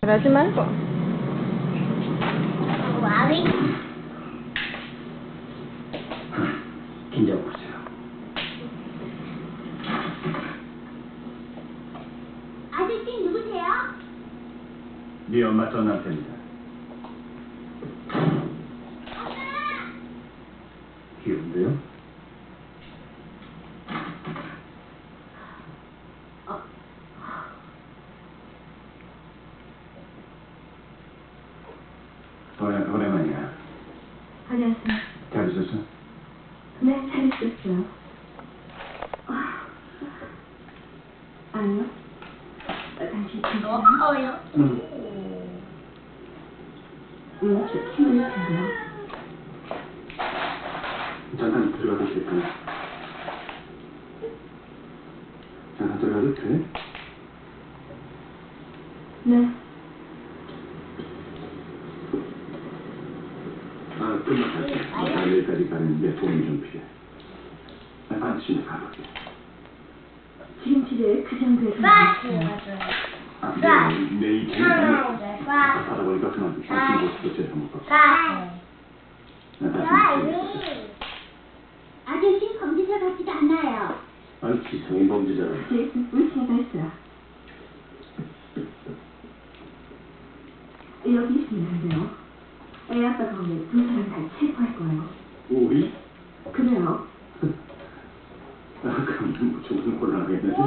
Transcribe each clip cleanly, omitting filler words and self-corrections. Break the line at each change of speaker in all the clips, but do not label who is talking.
그러지 말고.
와위.
긴장 보세요.
아저씨 누구세요?
네 엄마 전 남편이다. 귀여운데요? 오랜만이야.
안녕하세요.
잘 있었어?
네, 잘 있었어요. 아니요. 당신 괜찮아요?
응.
저 힘들 텐데요.
잠깐 들어가도 될까요? 잠깐 들어가도 돼?
네.
금방 갈게. 내일까지 가는데 도움이 좀 필요해. 반드시 가볼게.
지금 집에 그 정도의 돈이
파스
있어요.
맞아요.
내일
파스.
하다 보니까 그만 당신 모습도 제대로 못 봤어.
파스. 아저씨 검지사 같지도 않아요.
아니 기성이 범죄자라.
제 물체가 있어요. 여기 있는데요. 애 아빠가 오늘 두 사람 다 체포할 거예요.
우리?
그래요.
그럼 조금 곤란하겠네.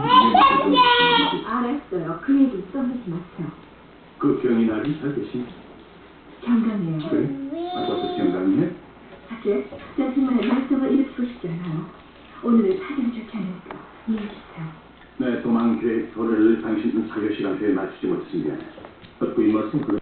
알았어요. 그 얘기 써내지 마세요.
그 병이 나를 잘 계신?
경감이에요.
그래? 벌써 경감이네?
사실 저 정말 말썽을 일으키고 싶지 않아요. 오늘은 사정 좋게 하니까 이해해주세요.
네, 도망 계획 도래를 당신 사교 시간표에 맞추지 못했으면 미안해. 그 이 말씀 그거